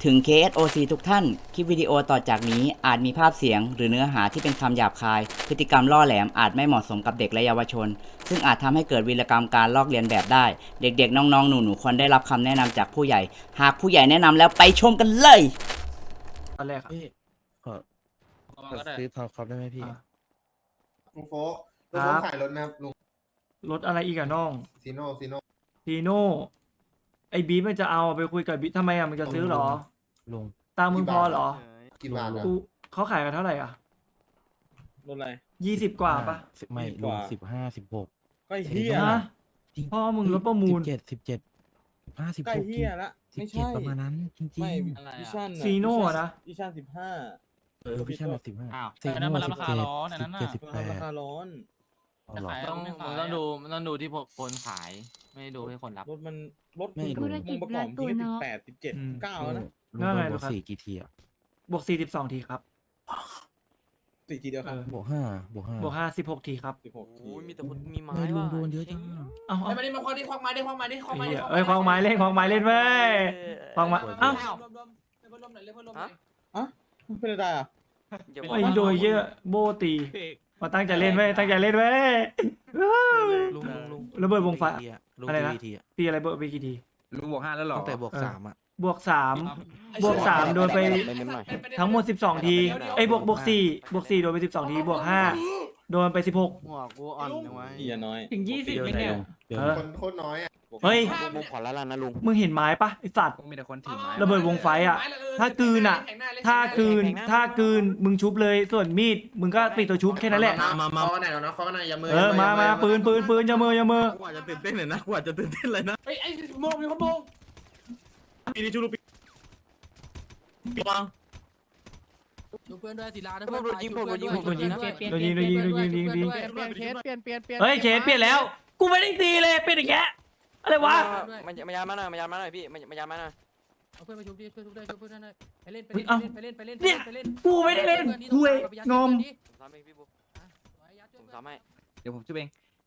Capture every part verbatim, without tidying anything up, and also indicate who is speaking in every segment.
Speaker 1: ถึง เค เอส โอ ซี ทุกท่าน คลิปวิดีโอต่อจากนี้อาจมีภาพเสียงหรือเนื้อหาที่เป็นคำหยาบคาย พฤติกรรมล่อแหลมอาจไม่เหมาะสมกับเด็กและเยาวชน ซึ่งอาจทำให้เกิดวีรกรรมการลอกเลียนแบบได้ เด็กๆ น้องๆ หนูๆ ควรได้รับคำแนะนำจากผู้ใหญ่ หากผู้ใหญ่แนะนำแล้วไปชมกันเลย
Speaker 2: ตอนแรกอะ
Speaker 3: พี่ขอ
Speaker 4: เอา
Speaker 3: ขอ
Speaker 4: ก็ได้
Speaker 3: ซื้อพาวคอปได้ไหมพี่
Speaker 2: อ่ะ
Speaker 5: ลุงโฟกลุงโฟกขายรถนะครับลุง
Speaker 2: รถอะไรอีกอะน้อง
Speaker 5: ซีโน่ซีโน่
Speaker 2: ทีโน่ไอ้บีมันจะเอาไปคุยกับบีทำไมอะมันจะซื้อเหรอ
Speaker 3: ลุง
Speaker 2: ตามมึงพอเหรอ
Speaker 5: กี่บาทอะ
Speaker 2: กูเขาขายกันเท่าไหร่อ่ะ
Speaker 4: รถอะไร
Speaker 2: ยี่สิบกว่าปะ
Speaker 3: สิบไม่
Speaker 4: ยี่สิบ
Speaker 3: ลุ
Speaker 4: ก
Speaker 3: ง
Speaker 4: ว่า
Speaker 3: สิบห้าสิบหก
Speaker 4: ก็เฮีย
Speaker 2: ฮะ
Speaker 3: จริง
Speaker 2: พ่อมึงรถประมูล
Speaker 3: สิบเจ็ดสิบเจ็ดสิบห้าสิบ
Speaker 4: ใกล้
Speaker 3: หก
Speaker 4: เฮียละ
Speaker 3: สิบ
Speaker 4: ไม่
Speaker 3: เจ็ด
Speaker 4: ใช่
Speaker 3: ประมาณนั้นจริง
Speaker 4: ไม่
Speaker 3: ๆ
Speaker 4: วิชั่น
Speaker 2: ซีโน่อะนะ
Speaker 4: วิชั่นสิบห้า
Speaker 3: เออพี่ชายแบบสิบห้า
Speaker 6: อ้าว
Speaker 3: สี่
Speaker 6: อันนั้น
Speaker 3: โน่
Speaker 6: มัน
Speaker 3: สิ
Speaker 6: รา
Speaker 3: บ
Speaker 6: คา
Speaker 3: เจ็ด
Speaker 6: ร้อนอันนั้น
Speaker 3: สิบ
Speaker 6: น่ะ
Speaker 3: เจ็ดสิบแป
Speaker 4: รา
Speaker 3: ด
Speaker 4: คาร้อน
Speaker 3: เอา
Speaker 6: จะ
Speaker 3: เหรอ
Speaker 6: ขาย
Speaker 4: ต้อง
Speaker 6: ไม่ขายมันต้องดูมันต้องดูที่พวกคนขาย ไม่ได้ดูที่คนรับ
Speaker 4: รถมันรถ
Speaker 3: ไม่
Speaker 4: มึง
Speaker 3: รู้
Speaker 4: มึงประกอบจริงสิบแปดสิบเจ็ดเก้าแล้วนะ
Speaker 3: ลุง
Speaker 2: นั่น
Speaker 3: โด
Speaker 2: ไง
Speaker 3: นบ
Speaker 2: เหร
Speaker 3: ว
Speaker 2: อก ครับ
Speaker 3: สี่กี่ทีอ่ะ
Speaker 2: บวกสี่สิบสองทีครับ
Speaker 4: สี่ทีเดียวครับ
Speaker 2: เออ
Speaker 3: บวกห้าบวกห้า
Speaker 2: บวกห้าสิบหกทีครับ
Speaker 4: สิบหกที
Speaker 6: โอ้ยมีแต่คนมีไม้
Speaker 3: ไม่ลุง
Speaker 6: ว่ะ
Speaker 3: โดนเยอะจัง
Speaker 2: เอ้า
Speaker 7: ไอ้
Speaker 2: เอ้า
Speaker 7: มาดิมาควักดิควักไม้ดิควักไม้ดิควักไม้
Speaker 2: ไอ้
Speaker 7: ดิ
Speaker 2: เหี้ยเอ้ยควางไม้เล่นควางไม้เล่นเว้ยควางไม้เอ้า
Speaker 7: รวมรวมเล่นพัดลมหน่อยเล่นพัดลมหน่อย
Speaker 4: อ่ะเป็นอะไรอ่ะ
Speaker 6: อย่าบ
Speaker 2: ไอ้โดยเยอะโบตีมาตั้งใจเล่นเว้ยตั้งใจเล่นเว้ย
Speaker 3: ลุงลุงลุง
Speaker 2: ระเบิดวงไฟ
Speaker 3: กี่ทีอะลุง
Speaker 2: อะไรนะ
Speaker 3: กี่ทีอะ
Speaker 2: ปีอะไรเบิร์ดไปกี่ที
Speaker 8: ลุงบวกห้าแล้วหรอ
Speaker 3: ตั้งแต่บวก
Speaker 2: เออ
Speaker 3: สามอ่ะ
Speaker 2: บวกสาม บวกสามโดนไป ทั้งหมดสิบสองทีไอ้ยบวกบวกสี่บวกสี่โดนไปสิบสองทีบวกห้าโดนไปสิบหก
Speaker 9: หัวกูอ่อนจังวะ
Speaker 4: อีน้อย
Speaker 6: ถึงยี่สิบไหมเนี่ย
Speaker 3: เดี๋ยว
Speaker 2: เออ
Speaker 5: คนโคตรน้อยอะ
Speaker 2: เฮ้ย
Speaker 9: ลุงขอละลานนะลุง
Speaker 2: มึงเห็นไม้ปะไอสัตว์
Speaker 8: มีแต่คนถือไม้
Speaker 2: ระเบิดวงไฟอะ ถ้ากลืนอะ ถ้ากลืนถ้ากลืนมึงชุบเลยส่วนมีดมึงก็ปิดตัวชุบแค่นั้นแหละ
Speaker 5: มามาคอกันไหนแล้วนะคอกันไหนอย่ามือ
Speaker 2: เออมามาปืนปืนปืนอย่ามืออย่ามือ
Speaker 4: กว่าจะตื่นเต้นเลยนะกว่าจะตื่นเต้นเลยนะ
Speaker 7: เฮ้ยไอ้โมงมีคนโมง
Speaker 4: ปีนี้ชูรูปีปีวัง
Speaker 7: ดูเพื่อนด้วยศิลาด้วย
Speaker 9: โดนยิงผมโดนยิงผม
Speaker 2: โดนยิงโดนยิงโดนยิงโดนยิงโดนยิงโดนยิง
Speaker 9: เคสเปลี่ยนเปลี่ยนเปลี่ยน
Speaker 2: เฮ้ยเคสเปลี่ยนแล้ว กูไม่ได้ตีเลยเป็นอย่างเงี้ยอะไรวะ
Speaker 9: มามายามาหน่อยมายามาหน่อยพี่มายามาหน่อย
Speaker 7: เอาเพื่อนมาชุบดิช่วยชุบด้วยช่วยเพื่อนหน่อยไปเล่นไปเล่นไปเล่นไปเล่นไปเล่นไปเล่น
Speaker 2: กูไม่ได้เล่นคุยงอม
Speaker 9: สามเองพี่บุ๊คผมสามให้
Speaker 8: เดี๋ยวผมช่วยเอง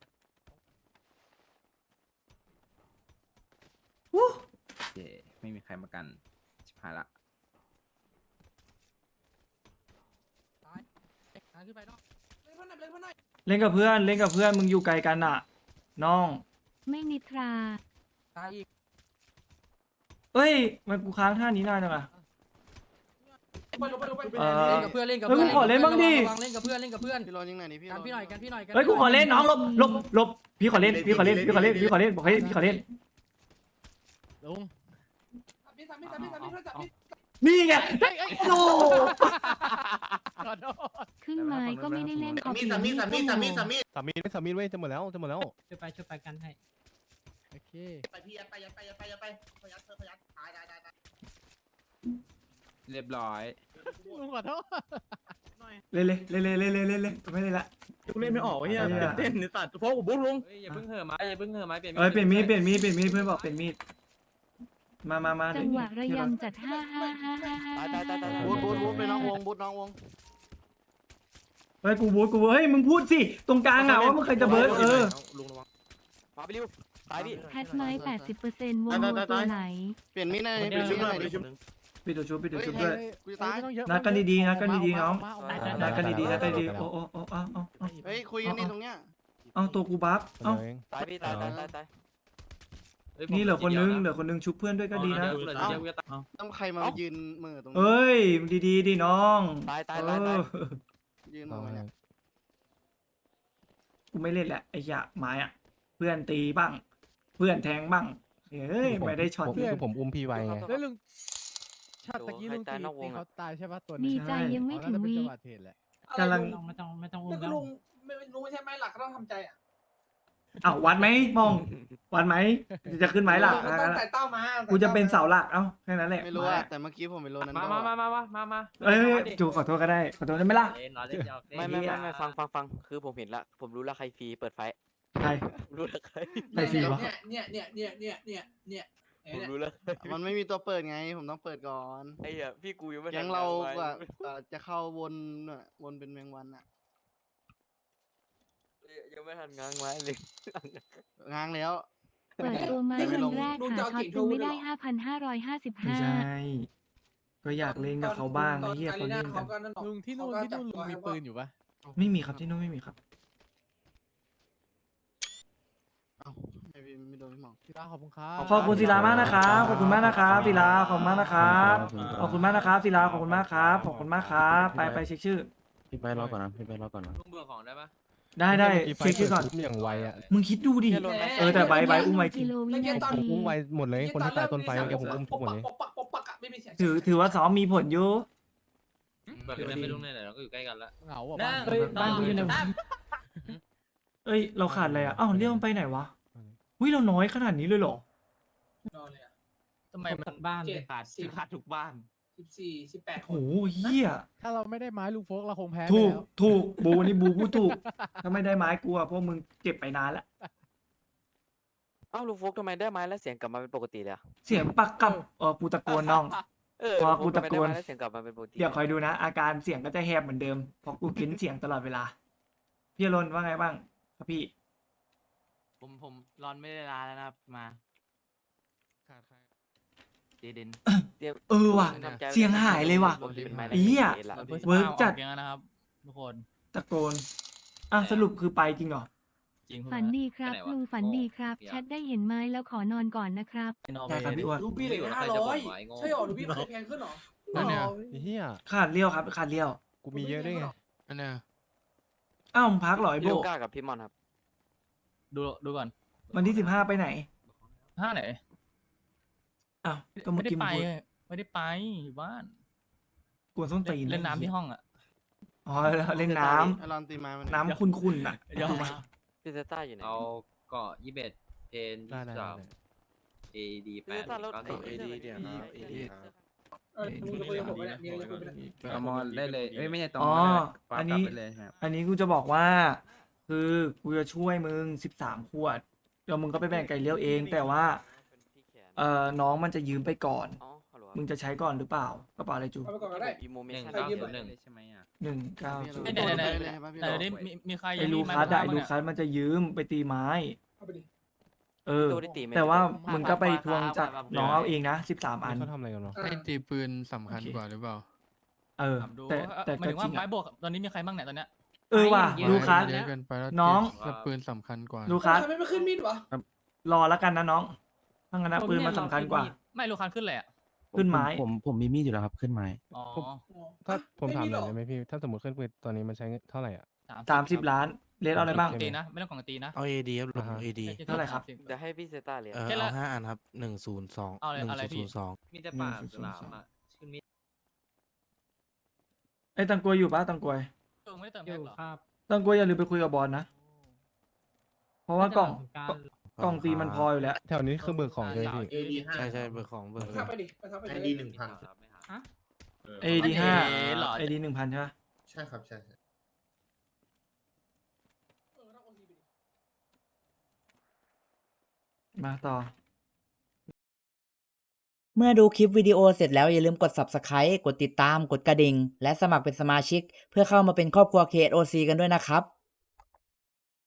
Speaker 2: วู้
Speaker 8: เย่ไม่มีใครมากันชิบหายละ
Speaker 7: ขึ้นไปเนาะเล่นเพื่อนหน่อยเล่นเพื่อนหน่อย
Speaker 2: เล่นกับเพื่อนเล่นกับเพื่อนมึงอยู่ไกลกันอ่ะ น้อง
Speaker 10: ไม่นิทรา
Speaker 7: ตายอีก
Speaker 2: เอ้ยมันกูค้างท่านี้นานจังอะ
Speaker 7: ไปลงไปลงไป
Speaker 2: เออ
Speaker 7: เล่นกับเพื่อนเล่นกับ
Speaker 2: เฮ้ย
Speaker 7: เพื่อน
Speaker 2: กูขอเล่นบ้างดิ
Speaker 7: เล่นกับเพื่อนเล่นกับเพื่อน
Speaker 9: พี่รอยิงหน่อยนี่พี่
Speaker 7: กันพี่หน่อยกันพี่หน่อย
Speaker 2: เฮ้ยกูขอเล่นน้องหลบหลบหลบพี่ขอเล่นพี่ขอเล่นพี่ขอเล่นพี่ขอเล่นบอกให้พี่ขอเล่น
Speaker 9: ลุง
Speaker 7: พี่สามพี่สามพี่สามพี่สามพี่สามพี่
Speaker 2: นี่ไงโอ้
Speaker 9: ขอโทษ
Speaker 10: ขึ้นไม้ก็ไม่ได้เล่นขอ
Speaker 5: มี
Speaker 10: เปลี่ย
Speaker 5: สานมี
Speaker 10: มีด
Speaker 5: สามี
Speaker 10: ก็
Speaker 5: สา
Speaker 10: ห
Speaker 5: มี
Speaker 10: ม
Speaker 5: สามี
Speaker 9: สามีไม่สามีเว้ยจะหมดแล้วจะหมดแล้ว
Speaker 6: ช่วยไปช่วยไปกันให้
Speaker 9: โอเค
Speaker 5: ไปพี่ยัดไปยัดไปยัดไปยัดไปพยัดเธอพยัดตายตายตายตาย
Speaker 8: เรียบร้อย
Speaker 9: ลุงขอโทษ
Speaker 2: เล่นเลยเล่นเลยเล่นเลยเล่นเลยไม่เล่นละ
Speaker 4: กูเล่นไม่ออกเฮีย
Speaker 2: ไอ้เหี้ย
Speaker 4: ตื่นเต้นในสัตว์เพราะผมบุ๊กลุง
Speaker 6: เฮ้ยอย่าเพิ่งเห่อะไม้อย่าเพิ่งเห่อะไม้เปลี่ยน
Speaker 2: เอ้ยเปลี่ยนมีดเปลี่ยนมีดเปลี่ยนมีดเพื่อนบอกเปลี่ยนมีดมามามา
Speaker 10: จังหวะระยำจัดห้าห้าห้าห้าห้า
Speaker 9: ตายตายตายตายบูทบูทบูทไปน้องวงบูทน้องวง
Speaker 2: เฮ้ยกูบูทกูบูทเฮ้ยมึงพูดสิตรงกลางอ่ะว่ามึงเคยจะเบิร์ดเออ
Speaker 9: ลุงระวังมาไปริวตายพี่
Speaker 10: แพทไม้แปดสิบเปอร์เซ็นต์วงโนตัวไหน
Speaker 9: เปลี่ยนมีดหน่อยเปลี่ยนมีดหน่อยดิ
Speaker 2: ปิดตัวชุบปิดตัวชุบด้วย
Speaker 9: กูจะตาย
Speaker 2: นัดกันดีๆนัดกันดีๆน้องนัดกันดีๆนัดกันดีๆโอ้โอ้โอ้เอาเอาเอา
Speaker 9: เฮ้ยคุยกันนี่ตรงเนี้ย
Speaker 2: เอาตัวกูบัฟเอ้า
Speaker 9: ตายพี่ตายตายตายตาย
Speaker 2: นี่เหลือคนนึงเหลือคนนึงชุบเพื่อนด้วยก็ดีนะ
Speaker 9: ต้องใครมายืนมือตรงนี้
Speaker 2: เอ้ยดีๆดิน้อง
Speaker 9: ตายตาย
Speaker 2: เอ
Speaker 9: ตายตาย
Speaker 2: อ
Speaker 9: ยืนตรงนี้
Speaker 2: กูไม่เล่นแหละไอ้ยะไม้อะเพื่อนตีบ้าง เพื่อนแทงบ้างเฮ้ยไม่ได้ช็อต
Speaker 3: คือผมอุ้มพี่ไว้ไง
Speaker 9: แล้วลุง
Speaker 11: ชาติตะกี้ลุงตีตีเขาตายใช่ปะตัว
Speaker 10: ดี
Speaker 11: นี้
Speaker 10: ใจยังไม่ถึงวี
Speaker 11: จังหวะเทศแหละ
Speaker 2: กำลัง
Speaker 6: ไม่ต้องไม่ต้องอุ้
Speaker 7: แต่
Speaker 6: ม
Speaker 7: ก็
Speaker 6: แล้ว
Speaker 7: ลุงไม่ลุงไม่ใช่ไม้หลักก็ต้องทำใจอ่ะ
Speaker 2: อ้าววัดไหมมองวัดไหมจะขึ้นไหมล่ะ
Speaker 7: มันต้องแต่เต้ามา
Speaker 2: กูจะเป็นเสาหลักเอ้าแค่นั้นแหละ
Speaker 9: ไม่รู้อะแต่เมื่อกี้ผมไปโลนั้น
Speaker 6: มามามามามามามา
Speaker 2: เอ้ยจูขอโทษก็ได้ขอโทษได้ไหมล่ะ
Speaker 9: ไม่ไม่ไม่ไม่ฟังฟังฟังคือผมเห็นละผมรู้ละใครฟรีเปิดไฟ
Speaker 2: ใคร
Speaker 9: รู้ละใคร
Speaker 2: ใครฟรีวะ
Speaker 7: เนี่ยเนี่ยเนี่ยเนี่ยเนี่ยเนี่ยเนี่ย
Speaker 9: ผมรู้ละมันไม่มีตัวเปิดไงผมต้องเปิดก่อนไอ้เหี้ยพี่กูยังไม่ยังเราอะจะเข้าวนน่ะวนเป็นแมงวันอะยังไม่ทันง้างไว้เลยง้างแล้ว
Speaker 10: เปิดตัวไม้วันแรกหาช็อตจึงไม่ได้ห้าพันห้าร้อยห้าสิบ
Speaker 2: ไม่
Speaker 10: ห้า
Speaker 2: ใช่ก็อยากเล่นกับเขาบ้างไอ้เหี้ยเขาเล่นกัน
Speaker 11: ลุงที่นู่นที่นู่นลุงมีปืนอยู่ปะ
Speaker 2: ไม่มีครับที่นู้นไม่มีครับ
Speaker 9: เอ้าไม่พี่ไม่โดนพี่หมอง
Speaker 11: ศิลาขอบคุณครับ
Speaker 2: ขอบคุณศิลามากนะครับขอบคุณมากนะครับศิลาขอบคุณมากนะครับขอบคุณมากนะครับศิลาขอบคุณมากครับขอบคุณมากครับไปไปเช็คชื่อ
Speaker 3: พี่ไปรอก่อนนะพี่ไปรอก่อนนะ
Speaker 6: ลุงเบื่อของได้ปะ
Speaker 2: ได้ได้
Speaker 3: พี่ฟ
Speaker 2: เช็คชื่อก่อน
Speaker 3: ปิดอย่างไวอ่ะ
Speaker 2: มึงคิดดูดิเออแต่ใบใบอุ้มไว้จริ
Speaker 10: กิ
Speaker 2: ง
Speaker 10: โลวินา
Speaker 3: ผม
Speaker 10: ที
Speaker 3: อุ้มไวหมดเลยคนที่ตายต้นไฟเมื่อกี้ผมอุ้มทุกหมดเลย
Speaker 5: ปกปักปกปักอะไม่มีเสียง
Speaker 2: ถือถือว่าซ้อมมีผลอยู่
Speaker 6: เบื่อกันไม่ลุงเนี่ยเราก็อยู่ใกล้กันละ
Speaker 11: เหงาอ่ะ
Speaker 6: นั่ง
Speaker 11: บ้าน
Speaker 7: บ้านกูอยู่ไหนวะ
Speaker 2: เอ้ยเราขาดอะไรอ่ะอ้าวเรียกมันไปไหนวะอุ้ยเราน้อยขนาดนี้เลยเหรอ
Speaker 5: นอนเลยอะ
Speaker 6: ทำไมมันบ้านเลยขาดสิขาดทุกบ้าน
Speaker 5: สิบสี่สิบแปดค
Speaker 2: โอ้
Speaker 5: น
Speaker 2: โหเหี้ย
Speaker 11: ถ้าเราไม่ได้ไม้ลุงโฟกเราคงแพ้ไป
Speaker 2: ถูก
Speaker 11: แล้ว
Speaker 2: ถูกบูนี่บูพูดถูกถ้าไม่ได้ไม้กูอะพวกมึงเก็บไปนานแล้ว
Speaker 12: อ้าวลุงโฟกทำไมได้ไม้แล้วเสียงกลับมาเป็นปกติเลยอะ
Speaker 2: เสียงปักกับเออกูตะโกนน้อง
Speaker 12: เออ
Speaker 2: พอ
Speaker 12: ลุงโฟ
Speaker 2: กู
Speaker 12: ก
Speaker 2: ตะ
Speaker 12: ทำไม
Speaker 2: โก
Speaker 12: ได้
Speaker 2: น
Speaker 12: ไม้แล้วเสียงกลับมาเป็นปกติ
Speaker 2: เดี๋ยวคอยดูนะ อาการเสียงก็จะแหบเหมือนเดิมเพราะกูกินเสียงตลอดเวลาพี่อรนว่าไงบ้างครับพี่
Speaker 6: ผมผมร้อนไม่ได้ลาแล้วนะครับมาเจเดน
Speaker 2: เออว่ะ
Speaker 12: ทำใจ
Speaker 2: เสียงหายเลยว่ะ
Speaker 12: ผมจะเป็นไม้
Speaker 2: ไอ้เหี้ย
Speaker 12: ละ
Speaker 2: เวิร์กจัด
Speaker 6: อย่างนั้นนะครับทุกคน
Speaker 2: ตะโกนอ่ะสรุปคือไปจริงเหรอ
Speaker 6: จริง
Speaker 10: ฝันดีครับลุงฝันดีครับแชทได้เห็นไม้แล้วขอนอนก่อนนะครับ
Speaker 2: ได้ครับพี่อ้วน
Speaker 5: รูปี้เหลยห้าร้อยใช่หรอรูปี้เคยแพงขึ้นหรอ
Speaker 3: นั่นเนี่ยไอ้เหี้ย
Speaker 2: ขาดเลี้ยวครับขาดเลี้ยว
Speaker 3: กูมีเยอะด้วยไง
Speaker 4: อันเนี้ย
Speaker 2: อ้าวมึงพักเหรอไอ้
Speaker 12: พี่
Speaker 2: โบ
Speaker 12: ลูก้ากับพี่มอนครับ
Speaker 6: ดูดูก่อน
Speaker 2: วันที่สิบห้าไปไหน
Speaker 6: ห้าไหน
Speaker 2: อ้าวก็เมื่
Speaker 6: ไม่
Speaker 2: อ
Speaker 6: ได้
Speaker 2: กี้มึ
Speaker 6: ไป
Speaker 2: งพูด
Speaker 6: ไม่ได้ไปอยู่บ้าน
Speaker 2: กวนส้นตีน
Speaker 6: เล่นน้ำที่ห้องอ่ะ
Speaker 2: อ๋อเล่นน้ำ
Speaker 9: ไอรอนตีไม้มัน
Speaker 2: น้ำขุ่นๆน่ะ
Speaker 6: ยอม
Speaker 12: พี่เซต้าอยู่ไหน
Speaker 8: เอาเกาะยี่สิบเอ็ดเพน
Speaker 3: ได้ได้
Speaker 8: สาม
Speaker 3: ได้
Speaker 8: เอดีแป
Speaker 12: พี่เซ
Speaker 8: ด
Speaker 12: ต้าแล้ว
Speaker 8: เก้า
Speaker 12: เอ
Speaker 8: สิบ
Speaker 12: ดีเดี๋ยวนะเอดี
Speaker 5: เออมึงจะคุยกับผมไหมเนี่ยมีอะไรจะคุยไหมเนี่ย
Speaker 8: เอามอนได้เลยเอ้ยไม่ใช่ตรง
Speaker 2: อ๋อ
Speaker 8: ปา
Speaker 2: อัน
Speaker 8: กลับ
Speaker 2: นี้
Speaker 8: ไปเลยครับ
Speaker 2: อันนี้กูจะบอกว่า คือกูจะช่วยมึงสิบสามขวดแล้วมึงก็ไปแบ่งไก่เลี้ยวเอง แต่ว่า เอ่อน้องมันจะยืมไปก่อน
Speaker 12: อ๋อฮัลโหล
Speaker 2: มึงจะใช้ก่อนหรือเปล่ากระเป๋าอะไรจู
Speaker 5: เอาไปก่อนก็ได้
Speaker 12: อีโมเม
Speaker 6: หนึ่ง
Speaker 12: ชั่น
Speaker 6: เก้า
Speaker 5: ยืม
Speaker 6: ศูนย์หนึ่ง
Speaker 8: ใช่ไหมอ่ะ
Speaker 2: หนึ่งเก้าศูน
Speaker 6: เอ้ย
Speaker 2: ย์
Speaker 6: เดี๋ยวเดี๋ยว
Speaker 9: ได้เลยครับพี่
Speaker 6: แต่
Speaker 9: โด
Speaker 6: เดี๋ยวนี้มีมีใคร
Speaker 2: ไอ้
Speaker 6: ยัง
Speaker 2: ลู
Speaker 6: มีไม้
Speaker 2: คัส
Speaker 6: บ้า
Speaker 2: อะ
Speaker 6: ง
Speaker 2: ไอ้
Speaker 6: บ้าง
Speaker 2: ลู
Speaker 6: เนี่ย
Speaker 2: คัสมันจะยืมไปตีไม้
Speaker 5: เอาไปดิ
Speaker 2: เออ
Speaker 12: ตัวได้ตีไหม
Speaker 2: แต่ว่า
Speaker 12: ไม่
Speaker 2: มึงก็ไปทวงจากน้องเอาเองนะสิบสามอัน
Speaker 3: เขาทำอะไรกันวะ
Speaker 5: อ่า
Speaker 4: ไอ้ตีปืนสำคัญกว่าหรือเปล่า
Speaker 2: เออ
Speaker 6: ถามดู
Speaker 2: แต่แต่
Speaker 6: หมาย
Speaker 2: ก็
Speaker 6: ถึง
Speaker 2: จ
Speaker 6: ว่า
Speaker 2: ริง
Speaker 6: ไม้
Speaker 2: อะ
Speaker 6: บวกตอนนี้มีใครบ้างเนี่ยตอนเนี้ย
Speaker 2: เออว่ะ
Speaker 6: เยอะ
Speaker 2: ลูคัส
Speaker 4: เยอะเกินไปแล้ว
Speaker 2: น้อง
Speaker 4: แล้วปืนสำคัญกว่า
Speaker 2: ลูคัส
Speaker 5: ทำไมไม่ขึ้นมีดวะ
Speaker 2: รอแล้วกันนะน้องถ้างั้นนะปืนมันสำคัญกว่า
Speaker 6: ไม่ลูกคันขึ้นเลยอ่ะ
Speaker 2: ขึ้นไม้
Speaker 3: ผมผมมีมีดอยู่แล้วครับขึ้นไม้
Speaker 6: อ๋อ
Speaker 3: ถ้าผมถามหน่อย
Speaker 5: หร
Speaker 3: ได้ไหมพี่ ถ้าสมมติขึ้นปืนตอนนี้มันใช้เท่าไหร่อ่ะ
Speaker 2: สามสิบล้านเลสเอาอะไรบ้าง
Speaker 6: ตีนะไม่ต้องของตีนะ
Speaker 11: เอาเอดีครับลุงเอดี
Speaker 2: เท่าไหร่ครับ
Speaker 12: เดี๋ยวให้พี่เซต้าเรียน
Speaker 11: เออ
Speaker 6: แค่ละ
Speaker 11: เอาห้าอันครับหนึ่งศูนย์สอง
Speaker 6: เอาอะไร
Speaker 11: หนึ่ง
Speaker 6: อะไรพี่
Speaker 11: ศูนย์สอง
Speaker 8: มีแต่ป่าสลามอ่ะขึ้นมี
Speaker 2: ไอ้ตังกวยอยู่ปะตังกวย
Speaker 6: ตัวไม่ได้เติม
Speaker 7: อ
Speaker 6: แพ็ค
Speaker 7: ยู่
Speaker 6: เหรอ
Speaker 7: ครับ
Speaker 2: ตังกวยอย่าลืมไปคุยกับบอลนะ เพราะว่ากล่อง
Speaker 7: การ
Speaker 2: กล่องตีมันพออยู่แล้ว
Speaker 3: แถวนี้คือเบิกของเลยพี่
Speaker 5: เอดีห้า
Speaker 11: ใช่ใช่เบอร์ของเบอร์
Speaker 5: ทับไปดิไปทับไป
Speaker 9: ไอ
Speaker 5: เลย
Speaker 9: ดีหนึ่งพัน
Speaker 2: เอดีห้า
Speaker 6: เอ๋เหรอ
Speaker 2: เอดีหนึ่งพันใช่ปะ
Speaker 9: ใช่ครับใช่ใช่
Speaker 5: เออต้องโอนทีไปดิ
Speaker 2: มาต่อ
Speaker 1: เมื่อดูคลิปวิดีโอเสร็จแล้วอย่าลืมกด ซับสไครบ์ กดติดตาม กดกระดิ่ง และสมัครเป็นสมาชิก เพื่อเข้ามาเป็นครอบครัว เค เอส โอ ซี กันด้วยนะครับ